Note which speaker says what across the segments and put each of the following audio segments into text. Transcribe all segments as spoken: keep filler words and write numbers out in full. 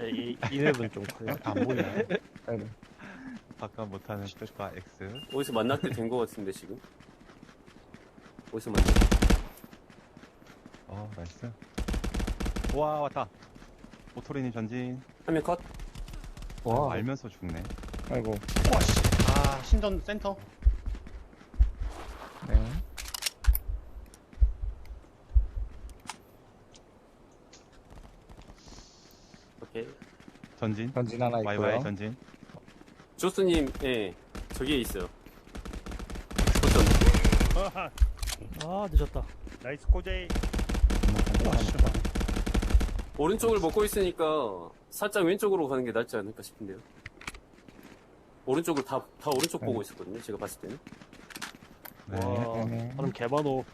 Speaker 1: 이, 이 맵은 좀 커요. 안 보이네.
Speaker 2: 네네.
Speaker 3: 바꿔 못하는 뜻과 X.
Speaker 4: 어디서 만날 때 된 거 같은데 지금. 어디서 만났?
Speaker 3: 어, 나이스. 와, 왔다. 오토리님 전진.
Speaker 4: 화면 컷.
Speaker 2: 와,
Speaker 3: 알면서 죽네.
Speaker 2: 아이고.
Speaker 1: 와, 씨. 아, 신전 센터.
Speaker 2: 네.
Speaker 4: 오케이.
Speaker 3: 전진.
Speaker 2: 전진 하나 있고요.
Speaker 3: 와이와이 전진.
Speaker 4: 조스님, 예, 저기에 있어요. 어떤?
Speaker 5: 아 늦었다.
Speaker 1: 나이스 코제이. 와, 씨.
Speaker 4: 오른쪽을 먹고 있으니까 살짝 왼쪽으로 가는 게 낫지 않을까 싶은데요. 오른쪽을 다, 다 오른쪽
Speaker 2: 네.
Speaker 4: 보고 있었거든요. 제가 봤을 때는.
Speaker 3: 네.
Speaker 1: 와,
Speaker 2: 네네.
Speaker 1: 사람 개많어.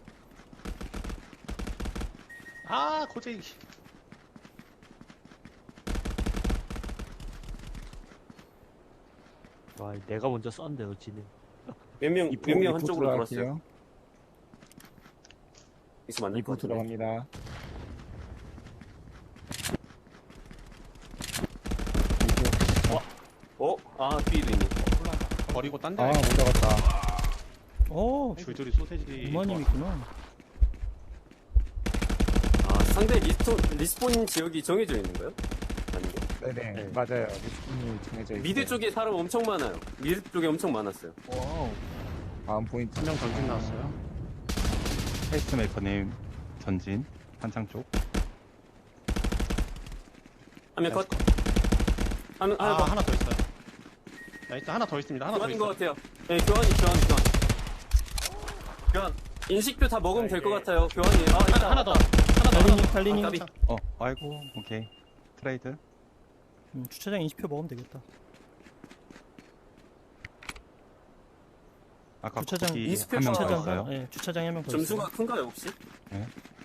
Speaker 1: 아, 코제이. 와, 내가 먼저 쐈는데 어찌네.
Speaker 4: 몇 명,
Speaker 2: 이포,
Speaker 4: 몇 명
Speaker 2: 이포
Speaker 4: 한쪽으로 돌았어요.
Speaker 2: 들어갈게요.
Speaker 4: 여기서 만날 것
Speaker 2: 이포
Speaker 4: 같은데.
Speaker 2: 들어갑니다.
Speaker 4: 어? 아, 뒤에도 있네.
Speaker 1: 버리고 딴 데.
Speaker 2: 아, 못 잡았다.
Speaker 5: 오
Speaker 1: 줄줄이 소세지.
Speaker 5: 이만님 있구나.
Speaker 4: 아, 상대 리스폰, 리스폰 지역이 정해져 있는 거예요? 아닌가?
Speaker 2: 네네.
Speaker 1: 네.
Speaker 2: 맞아요. 리스폰이 정해져 있어요.
Speaker 4: 미드 쪽에 사람 엄청 많아요. 미드 쪽에 엄청 많았어요.
Speaker 1: 와우.
Speaker 2: 다음 포인트.
Speaker 1: 한 명 전진 나왔어요.
Speaker 3: 페이스메이커님 전진. 한창 쪽.
Speaker 4: 화면 컷. 화면,
Speaker 1: 아,
Speaker 4: 하나 더.
Speaker 1: 하나 더 있어요. 나이스, 하나 더 있습니다. 하나 더
Speaker 4: 교환인 것
Speaker 1: 있어요.
Speaker 4: 같아요. 네, 교환이, 교환, 교환. 교환. 인식표 다 먹으면 될 것 같아요. 교환이. 아,
Speaker 1: 하나,
Speaker 4: 일단.
Speaker 1: 하나 더. 하나 더.
Speaker 5: 달리님
Speaker 1: 하나
Speaker 5: 달리님.
Speaker 4: 아, 까비.
Speaker 3: 어, 아이고, 오케이. 트레이드.
Speaker 5: 음, 주차장 인식표 먹으면 되겠다.
Speaker 3: 아까
Speaker 5: 주차장
Speaker 3: 거기
Speaker 4: 이스페
Speaker 3: 한명 더
Speaker 4: 주차장
Speaker 3: 있어요.
Speaker 5: 예, 주차장에 한 명 더
Speaker 4: 점수가
Speaker 5: 있어요.
Speaker 4: 큰가요, 혹시?
Speaker 3: 네.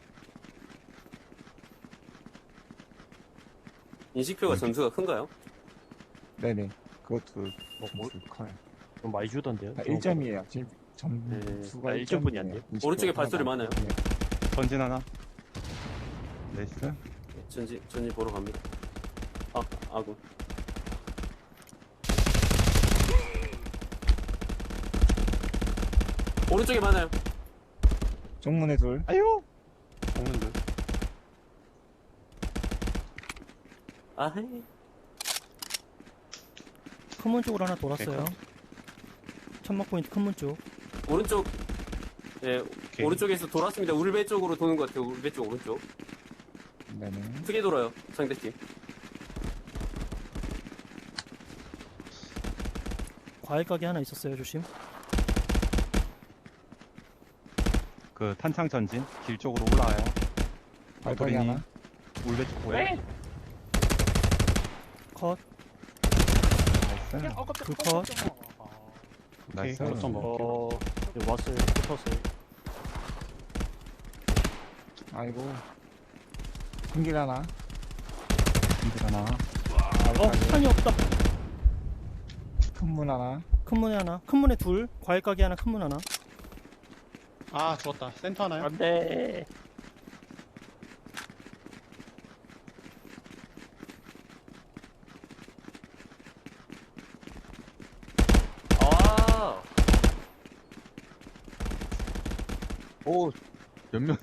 Speaker 4: 인식표가
Speaker 3: 음.
Speaker 4: 점수가 큰가요?
Speaker 2: 네네. 그것도
Speaker 1: 뭐, 뭐,
Speaker 2: 점수 커요.
Speaker 1: 좀 많이 주던데요?
Speaker 2: 아, 일 점이에요. 지금
Speaker 4: 네.
Speaker 2: 점수가
Speaker 1: 아,
Speaker 2: 일
Speaker 1: 일 점분이
Speaker 2: 점이에요.
Speaker 1: 안
Speaker 4: 오른쪽에 발소리 많아요.
Speaker 2: 네.
Speaker 3: 전진 하나. 나이스.
Speaker 4: 네, 전지, 전지 보러 갑니다. 아, 아군. 오른쪽에 많아요.
Speaker 2: 정문에 둘.
Speaker 3: 아유!
Speaker 1: 먹는들.
Speaker 4: 아, 헤이.
Speaker 5: 큰문 쪽으로 하나 돌았어요. 천막 포인트 큰문 쪽.
Speaker 4: 오른쪽, 예,
Speaker 1: 오케이.
Speaker 4: 오른쪽에서 돌았습니다. 울배 쪽으로 도는 것 같아요. 울배 쪽, 오른쪽.
Speaker 2: 네네.
Speaker 4: 크게 돌아요, 상대팀.
Speaker 5: 과일 가게 하나 있었어요. 조심.
Speaker 3: 그 탄창 전진. 길 쪽으로 올라와요.
Speaker 2: 발걸이
Speaker 3: 오토리님.
Speaker 2: 하나.
Speaker 3: 울배 쪽 보여.
Speaker 5: 컷.
Speaker 3: 나이스.
Speaker 5: 둘 컷.
Speaker 3: 나이스.
Speaker 2: 오케이.
Speaker 1: 좀 먹을게요.
Speaker 6: 어, 네, 왔어요. 붙었어요.
Speaker 2: 아이고. 큰길 하나.
Speaker 3: 힘들 하나.
Speaker 5: 어 탄이 없다.
Speaker 2: 큰문 하나.
Speaker 5: 큰 문에 하나. 큰 문에 둘. 과일 가게 하나. 큰 문 하나.
Speaker 1: 아, 죽었다. 센터 하나요?
Speaker 6: 안 돼.
Speaker 4: 아,
Speaker 3: 오, 몇 명?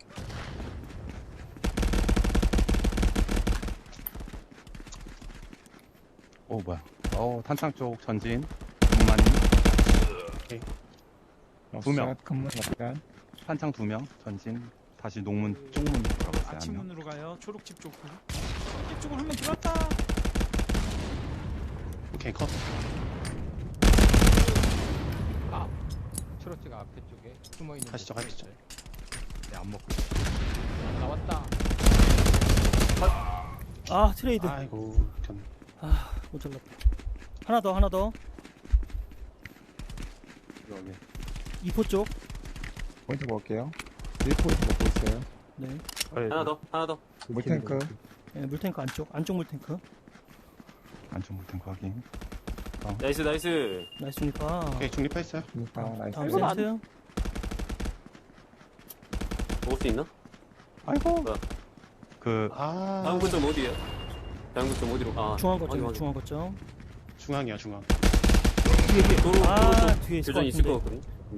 Speaker 3: 오, 뭐야. 어, 탄창 쪽 전진. 동만이. 두 명.
Speaker 2: 큰문 약간.
Speaker 3: 탄창 두 명. 전진. 다시 농문, 쪽문 들어갔어요. 한 명.
Speaker 7: 아침문으로 가요. 초록집 쪽으로. 초록집 쪽으로 한 명 들어왔다.
Speaker 1: 오케이, 컷.
Speaker 8: 초록지가 앞에 쪽에 숨어 있는.
Speaker 1: 가시죠, 가시죠.
Speaker 3: 네, 안 먹고.
Speaker 8: 나왔다.
Speaker 5: 아 트레이드.
Speaker 1: 아이고, 견.
Speaker 5: 아 못 잘랐다. 하나 더 하나 더.
Speaker 3: 여기.
Speaker 5: 이포 쪽.
Speaker 2: 포인트 먹을게요. 일 포인트 먹고 있어요.
Speaker 5: 네.
Speaker 4: 하나 더, 하나 더.
Speaker 2: 물탱크.
Speaker 5: 예, 물탱크 안쪽. 안쪽 물탱크.
Speaker 3: 안쪽 물탱크 확인.
Speaker 4: 나이스, 나이스.
Speaker 5: 나이스니까.
Speaker 1: 오케이, 중립했어요.
Speaker 2: 그러니까 나이스.
Speaker 5: 다음
Speaker 6: 이건 안-
Speaker 5: 세트.
Speaker 4: 먹을 수 있나?
Speaker 3: 아이고.
Speaker 4: 뭐야?
Speaker 3: 그,
Speaker 1: 아.
Speaker 4: 다음 거점 어디에요? 대한국 좀 어디로? 아,
Speaker 5: 중앙
Speaker 4: 확인,
Speaker 5: 거점,
Speaker 4: 확인.
Speaker 5: 중앙 거점.
Speaker 1: 중앙이야, 중앙.
Speaker 5: 뒤에, 뒤에.
Speaker 4: 도로,
Speaker 5: 아,
Speaker 4: 도로 쪽
Speaker 5: 뒤에 있을 것
Speaker 4: 교전 있을 것
Speaker 5: 같은데.
Speaker 4: 같거든.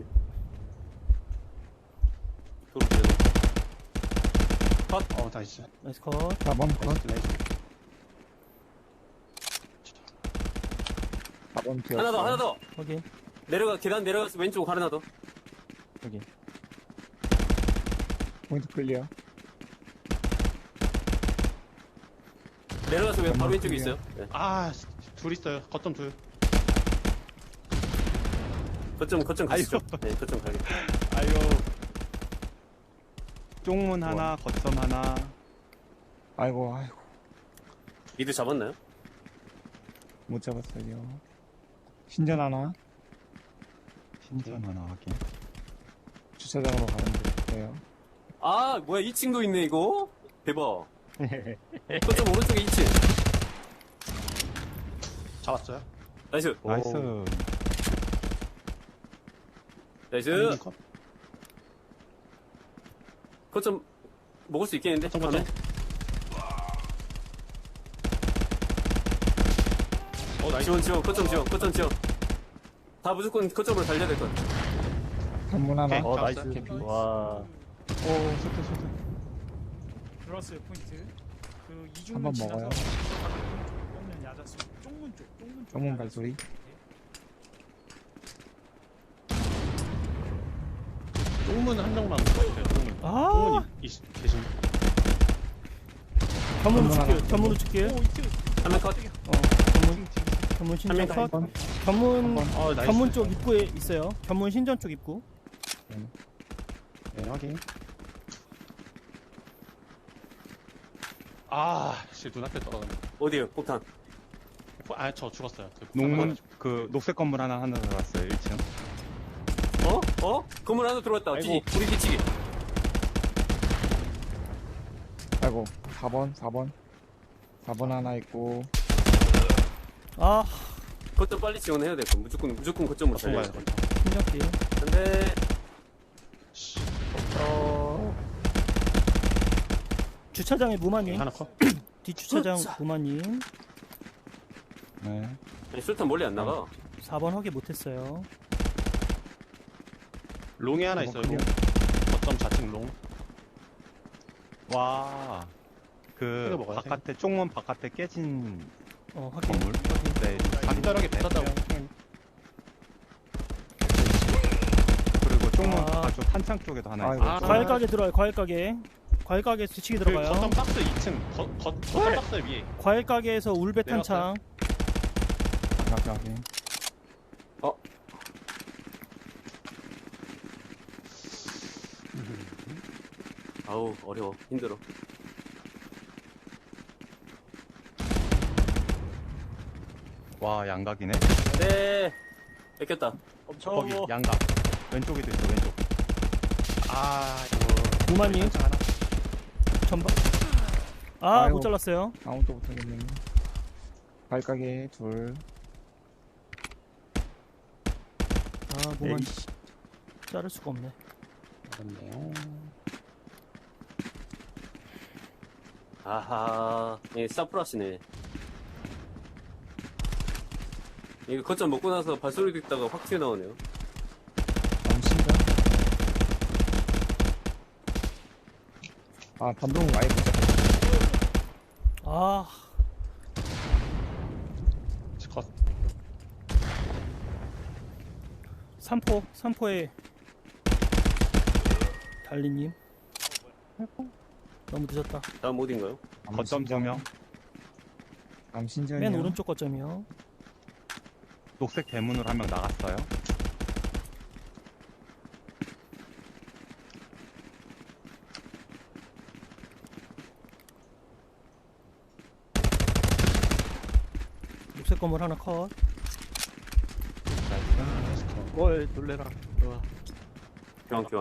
Speaker 4: 도로 교전.
Speaker 1: 어, 나이스.
Speaker 5: 나이스 컷.
Speaker 2: 사 번 컷.
Speaker 1: 나이스, 나이스.
Speaker 2: 사 번 튀었어.
Speaker 4: 하나 더, 하나 더.
Speaker 5: 확인.
Speaker 4: 내려가, 계단 내려가서 왼쪽 하나 더.
Speaker 3: 여기.
Speaker 2: 포인트 클리어.
Speaker 4: 내려가서 왼, 바로 왼쪽에
Speaker 2: 클리어.
Speaker 4: 있어요. 네.
Speaker 1: 아, 둘 있어요. 거점 둘.
Speaker 4: 거점, 거점 가시죠. 네, 거점 가게.
Speaker 3: 아유. 쪽문 하나, 거점 하나.
Speaker 2: 아이고, 아이고.
Speaker 4: 미드 잡았나요?
Speaker 2: 못 잡았어요. 신전 하나.
Speaker 3: 신전 하나 확인.
Speaker 2: 주차장으로 가면 돼요.
Speaker 4: 아, 뭐야, 이 층도 있네, 이거? 대박. 거점 오른쪽에 이 층.
Speaker 1: 잡았어요.
Speaker 4: 나이스.
Speaker 3: 나이스.
Speaker 4: 나이스.
Speaker 1: 한민님 컷.
Speaker 4: 거점 먹을 수 있겠는데?
Speaker 1: 거점, 거점. 어, 나이스.
Speaker 4: 지원, 지원, 거점 지원, 거점 지원. 다 무조건 거점으로 달려야 될 것 같아.
Speaker 2: 단문 하나.
Speaker 1: 오케이.
Speaker 6: 어,
Speaker 1: 잡았어요.
Speaker 6: 나이스.
Speaker 1: 캠핑.
Speaker 6: 와.
Speaker 2: 오, 쏘트, 쏘트.
Speaker 7: 들어왔어요 포인트. 그
Speaker 2: 한번
Speaker 7: 이중문 지나서
Speaker 2: 먹어요.
Speaker 7: 없는 야자수. 쪽문 쪽. 쪽문 쪽.
Speaker 2: 쪽문
Speaker 7: 야자수.
Speaker 2: 발소리.
Speaker 1: 똥문 한 명만 보여주세요. 똥문.
Speaker 5: 아,
Speaker 1: 똥문이 있- 계신.
Speaker 5: 견문으로
Speaker 2: 견문
Speaker 5: 줄게요.
Speaker 2: 하나.
Speaker 5: 견문으로 줄게요.
Speaker 7: 오 이트.
Speaker 4: 한명 컷.
Speaker 5: 어, 견문. 견문 신전
Speaker 4: 한
Speaker 5: 컷.
Speaker 2: 번.
Speaker 5: 견문,
Speaker 1: 어, 나이스.
Speaker 5: 견문 쪽 입구에 있어요. 견문 신전 쪽 입구.
Speaker 1: 네, 확인. 아, 씨, 눈앞에 떨어졌네.
Speaker 4: 어디에요? 폭탄.
Speaker 1: 아, 저 죽었어요. 그
Speaker 3: 농문, 그, 녹색 건물 하나 하나 들어갔어요, 일 층.
Speaker 4: 어? 어? 건물 하나 들어왔다.
Speaker 1: 아이고.
Speaker 4: 뒤, 우리 뒤치기.
Speaker 2: 아이고, 사 번, 사 번. 사 번 하나 있고.
Speaker 5: 아,
Speaker 4: 거점 빨리 지원해야 될 거. 무조건, 무조건 거점으로 달려야
Speaker 1: 좋아요.
Speaker 4: 돼.
Speaker 5: 신전 뒤에.
Speaker 4: 근데,
Speaker 5: 주차장에 무마님.
Speaker 1: 하나 컷.
Speaker 5: 뒷주차장 무마님.
Speaker 3: 네.
Speaker 4: 아니, 술탄 멀리 안 나가.
Speaker 5: 사 번 확인 못했어요.
Speaker 1: 롱에 하나
Speaker 2: 어,
Speaker 1: 있어요.
Speaker 2: 클리어.
Speaker 1: 롱. 거점 좌측 롱.
Speaker 3: 와. 그,
Speaker 1: 이거 먹어요,
Speaker 3: 바깥에, 쪽문 바깥에 깨진
Speaker 5: 어, 확인.
Speaker 3: 건물. 네.
Speaker 1: 간단하게 붙었다고.
Speaker 3: 그리고 쪽문
Speaker 5: 아.
Speaker 3: 바깥쪽 탄창 쪽에도 하나
Speaker 2: 아이고.
Speaker 3: 있어요.
Speaker 1: 아.
Speaker 5: 과일 가게 들어와요. 과일 가게. 과일 가게 뒤치기
Speaker 1: 그
Speaker 5: 들어가요.
Speaker 1: 거점 박스 이 층. 거, 거, 거점 박스 위에.
Speaker 5: 과일 가게에서 울베 탄창.
Speaker 2: 가게, 가게.
Speaker 4: 아우, 어려워. 힘들어.
Speaker 3: 와, 양각이네.
Speaker 4: 네. 뺏겼다.
Speaker 6: 엄청.
Speaker 3: 거기, 양각. 왼쪽에도 있어, 왼쪽.
Speaker 1: 아, 이거.
Speaker 5: 무마님.
Speaker 1: 탄창 하나.
Speaker 5: 전방. 아,
Speaker 2: 아이고.
Speaker 5: 못 잘랐어요.
Speaker 2: 아무것도 못하겠네. 발가게 둘.
Speaker 5: 아, 무마
Speaker 2: 에이씨.
Speaker 5: 자를 수가 없네.
Speaker 1: 그렇네요.
Speaker 4: 아하. 예, 사프라시네. 이거 거점 먹고 나서 발소리 듣다가 확 튀어나오네요.
Speaker 2: 다음 신전. 아, 반동 아예 못 잡았어.
Speaker 5: 아,
Speaker 1: 컷.
Speaker 5: 삼포, 삼포에 달리님. 너무 늦었다.
Speaker 4: 다음 어딘가요?
Speaker 3: 거점 조명.
Speaker 2: 다음 신전이요.
Speaker 5: 맨 오른쪽 거점이요.
Speaker 3: 녹색 대문으로 한 명 나갔어요.
Speaker 5: 녹색 건물 하나 컷.
Speaker 6: 뭘 놀래라. 와.
Speaker 4: 교환, 교환.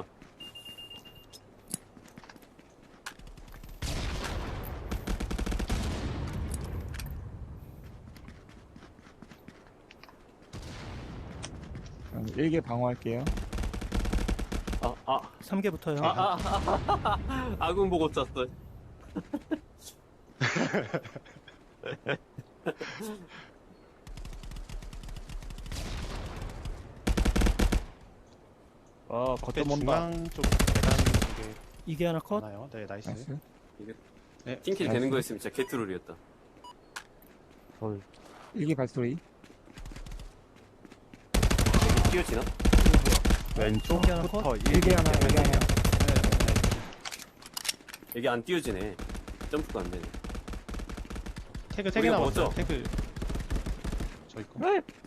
Speaker 2: 일개 방어할게요.
Speaker 4: 아, 아,
Speaker 5: 삼 개부터요.
Speaker 4: 아, 아, 아, 아, 아군 보고 짰어.
Speaker 6: 아,
Speaker 1: 겉에
Speaker 6: 거점 온다.
Speaker 1: 중앙 쪽 계단 쪽에
Speaker 5: 이게 하나 컷.
Speaker 1: 나요. 네, 나이스.
Speaker 2: 나이스.
Speaker 1: 네,
Speaker 4: 팀킬 되는 거였으면 진짜 개트롤이었다.
Speaker 6: 헐.
Speaker 2: 일기 발소리.
Speaker 4: 뛰어지나?
Speaker 3: 왼쪽
Speaker 5: 하나 컷.
Speaker 3: 부터
Speaker 2: 일기 하나, 일기 하나.
Speaker 4: 여기 안 뛰어지네. 점프가 안 되네.
Speaker 1: 태그 세 개
Speaker 4: 우리가
Speaker 1: 남았어요.
Speaker 4: 먹었죠?
Speaker 1: 태그 저 있고.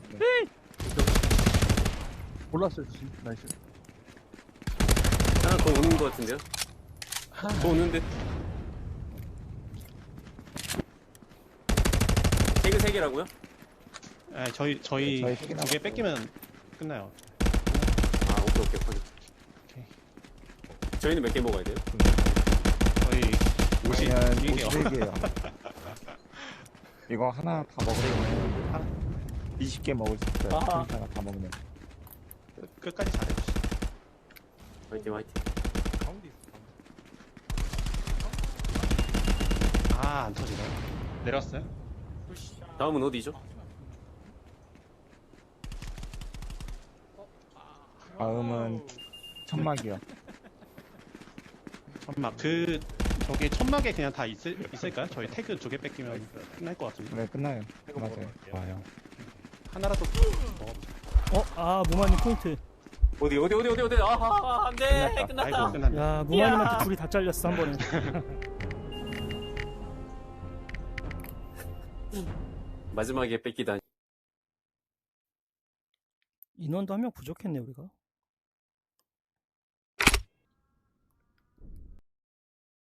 Speaker 6: 골랐어요, 진. 나이스.
Speaker 4: 하나 더 오는 거 같은데요? 더 오는데? 태그 세 개라고요?
Speaker 1: 네, 저희 저희
Speaker 2: 네, 저희 세개
Speaker 1: 두 개 뺏기면 끝나요.
Speaker 4: 아, 오케이, 오케이, 확인.
Speaker 1: 오케이.
Speaker 4: 저희는 몇 개 먹어야 돼요?
Speaker 1: 저희 오십
Speaker 2: 아니면
Speaker 1: 이 개요.
Speaker 2: 오십일 개요. 이거 하나 다 먹으면 이십 개 먹을 수 있어요.
Speaker 6: 아하.
Speaker 2: 하나 다 먹으면.
Speaker 1: 끝까지 잘해주시죠.
Speaker 4: 화이팅, 화이팅.
Speaker 7: 가운데 있어. 가운데.
Speaker 1: 아, 안 터지네요. 내렸어요?
Speaker 4: 다음은 어디죠?
Speaker 2: 다음은 천막이요.
Speaker 1: 천막 그 저기 천막에 그냥 다 있을 있을까요? 저희 태그 두 개 뺏기면 끝날 것 같은데.
Speaker 2: 네, 끝나요. 맞아요.
Speaker 3: 와요.
Speaker 1: 하나라도 먹어보자.
Speaker 5: 어, 아 무마님 포인트.
Speaker 4: 어디, 어디, 어디, 어디, 어디? 아하, 안 돼!
Speaker 2: 끝났다.
Speaker 4: 끝났다!
Speaker 1: 아이고 끝났네.
Speaker 5: 야 무마님한테 둘이 다 잘렸어 한 번에.
Speaker 4: 마지막에 뺏기다니.
Speaker 5: 인원도 한 명 부족했네 우리가.